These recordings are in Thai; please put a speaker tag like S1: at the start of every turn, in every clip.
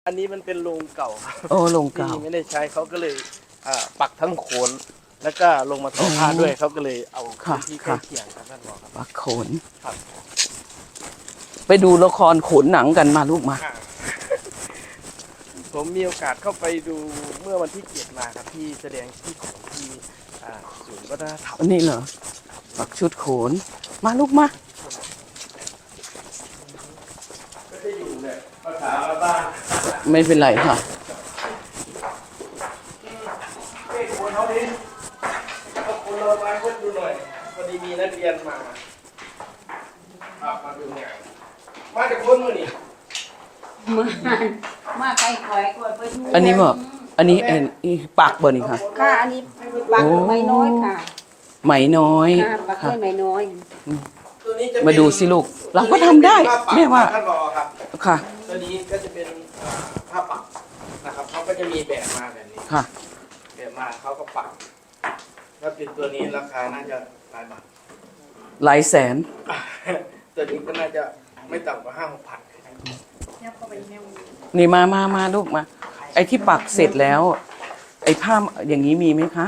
S1: อันนี้มันเป็นโรงเก่าครับ
S2: โอ้โรงเก่า
S1: ที่ไม่ได้ใช้เขาก็เลยปักทั้งโขนแล้วก็ลงมาทอผ้าด้วยเขาก็เลยเอาพื้นที่ใกล้เคียงครับท่านบอกครับ
S2: ปักโขน
S1: ครับ
S2: ไปดูละครโขนหนังกันมาลูกมา
S1: ผมมีโอกาสเข้าไปดูเมื่อวันที่7มาครับที่แสดงที่ของที่ศูนย์วัฒนธรรม
S2: อันนี้เหรอปักชุดโขนมาลูกมา
S1: ก็จะอยู่เนี่ยภาษาบ้าน
S2: ไม่เป็นไรค่ะ
S1: เฮ้ยคนเขาดิเอาคนเราไปคนดูหน่อยพอดีมีนักเรียนมามาดูเนี่ยมาจากคนมือนี่
S3: มาไกลคอยก่อนไปดู
S2: อันนี้เหรออันนี้ปักบ่นี่ค่ะ
S3: ค่ะอันนี้ปักไม่น้อยค่ะ
S2: ไหมน้อย
S3: ค่ะปัก
S2: ค่ะ
S3: ด้วยไม่น้อย
S1: ตัวนี้จะเป็น
S2: มาดูสิลูกเราก็ทำได้แม่ว่า
S1: ท่านบอกครับ
S2: ค่ะ
S1: ตัวนี้ก็จะเป็นผ้าปักนะครับเขาก็จะมีแบบมาแบบนี้
S2: ค่ะ
S1: แบบมาเขาก็ปักถ้าเป็นตัวนี้ราคาน่าจะหลายบาท
S2: หลายแสน
S1: ตัวนี้ก็น่าจะไม่ต่ำกว่า5-6 พัน
S2: นี่มาลูกมา ไอ้ที่ปักเสร็จแล้ว ไอ้ผ้าอย่างนี้มีไหมคะ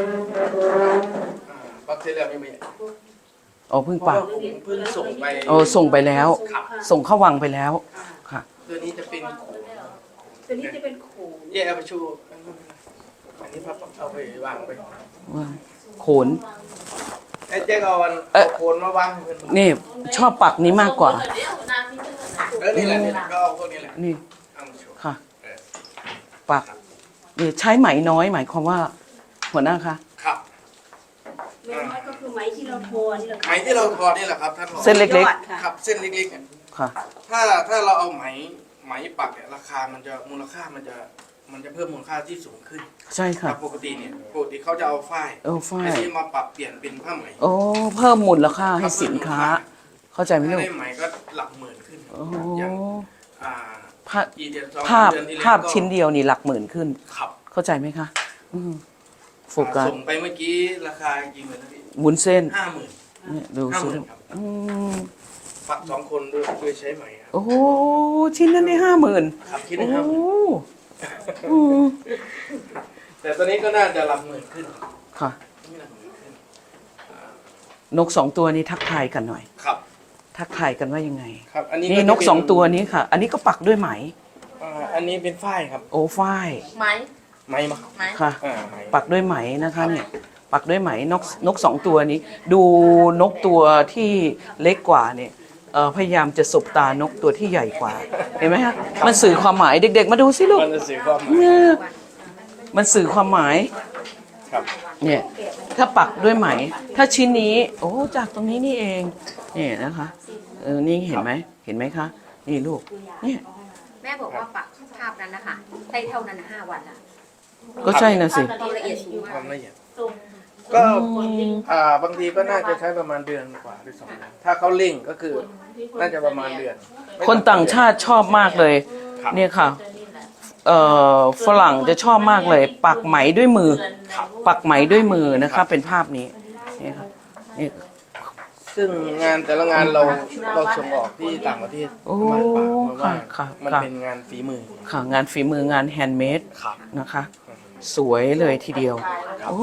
S1: ปักเสร็จแล้วไม่มี
S2: อ๋อเพิ่งปัก
S1: ผมเพิ่งส่งไป
S2: โอ้ส่งไปแล้ว
S1: ครับ
S2: ส่งเข้าวังไปแล้วค่ะ
S1: ตัวนี้จะเป็น
S3: ตัวนี้จะเป็นโขน
S1: แย่เอาไปชูอันนี้พับเอาไปวางไป
S2: ว่าโขน
S1: ไอ้เจ๊ก็เอาโคนมาวางให้เพื่อน
S2: นี่ชอบปักนี้มากกว่า
S1: นี่แหละก็เอาพวกนี้แหละ
S2: นี่
S1: เอามาชู
S2: ค่ะ
S1: เออ
S2: ปักนี่ใช้ไหมน้อยหมายความว่า หัวหน้าคะ
S1: ครับ
S3: ไม่น้อยก็คือไหมที่เราโทรนี่แหละ
S1: ไหมที่เราทอนี่แหละครับท่านบอก
S2: เส้นเล็ก
S3: ยอดค่ะ
S1: ครับเส้นเล็กๆเนี่ย
S2: ๆ ค่ะ
S1: ถ้าเราเอาไหมปักเนี่ยราคามันจะมูลค่ามันจะเพิ่มมูลค่าที่สูงขึ้น
S2: ใช่ค่ะ
S1: ปกติเนี่ยปกติเขาจะเอาฝ้าย
S2: ฝ้าย
S1: อันนี้มาปรับเปลี่ยนเป็นผ้าไหม
S2: โอ้เพิ่มมูลค่าให้สินค้า เข้าใจไหม
S1: ถ้า
S2: ลูก
S1: ได้ไหมก็หลักหมื่นขึ้น
S2: โอ้
S1: อย่างอ่า
S2: ภาพ
S1: กี่เดือนสอง
S2: ภาพ
S1: เดือนที่แล้ว
S2: ภาพ
S1: ก็
S2: ชิ้นเดียวนี่หลักหมื่นขึ้น
S1: ขับ
S2: เข้าใจไหมคะโฟกัส
S1: ส่งไปเมื่อกี้ราคากี่หมื่นนะพี่
S2: วุ้นเส้น
S1: 50,000
S2: เนี่ยดูสิ
S1: 50,000ครับ
S2: อืม
S1: ปัก2 คนด้วยใช้ไหมครับ
S2: โอ้โหชิ้นนั้นได้50,000
S1: ครับคิด
S2: โอ้
S1: นะ
S2: โห
S1: ครับ
S2: อืม
S1: แต่ตอนนี้ก็น่าจะหลักหมื่นขึ้น
S2: ค่ะ
S1: นี่หลักหมื่นขึ้น
S2: นก2 ตัวนี้ทักทายกันหน่อย
S1: ครับ
S2: ทักทายกันว่ายังไง
S1: ครับอันนี้
S2: นี่นก
S1: จะเป็
S2: 2 ตัวนี้ค่ะ อันนี้ก็ปักด้วยไหม
S1: อันนี้เป็นฝ้ายครับ
S2: โอ้ฝ้าย
S3: ไหม
S1: ไหมมาครับ
S3: ไหม
S2: ค่ะ
S1: ไหม
S2: ปักด้วยไหมนะคะเนี่ย ปักด้วยไหมนก2 ตัวนี้ ดูนกตัวที่เล็กกว่าเนี่ยพยายามจะสบตานกตัวที่ใหญ่กว่า เห็นไหมฮะมันสื่อความหมายเด็ก ๆ มาดูสิลูก
S1: มันจะสื่อความหมาย
S2: เนี่ยมันสื่อความหมาย
S1: ครับ
S2: เนี่ยถ้าปักด้วยไหม ถ้าชิ้นนี้ โอ้จากตรงนี้นี่เองเนี่ยนะคะนี่เห็นไหมเห็นไหมคะนี่ลูกเนี่ย
S4: แม่บอกว่าปักภาพนั้นนะคะใช้เท่านั้น5 วันละ
S2: ก็ใช่นะสิ
S4: ความละเอียดสูง
S1: ค
S4: มาก
S1: วามละเอียดก็บางทีก็น่าจะใช้ประมาณเดือนกว่าหรือ2 เดือนถ้าเขาเร่งก็คือน่าจะประมาณเดือน
S2: คนต่างชาติชอบมากเลย
S1: ครับ
S2: เนี่ยค่ะฝรั่งจะชอบมากเลย ปักไหมด้วยมือ ปักไหมด้วยมือนะคะเป็นภาพนี้เนี่ยค่ะนี่
S1: ซึ่งงานแต่ละงานเราส่งออกที่ต่างประเทศ
S2: โอ้
S1: มาปากมาว่า
S2: ค่ะ
S1: มัน
S2: ค่ะ
S1: เป็นงานฝีมือ
S2: ค่ะงานฝีมืองานแฮนด์เมด
S1: ครับ
S2: นะคะ สวยเลยทีเดียว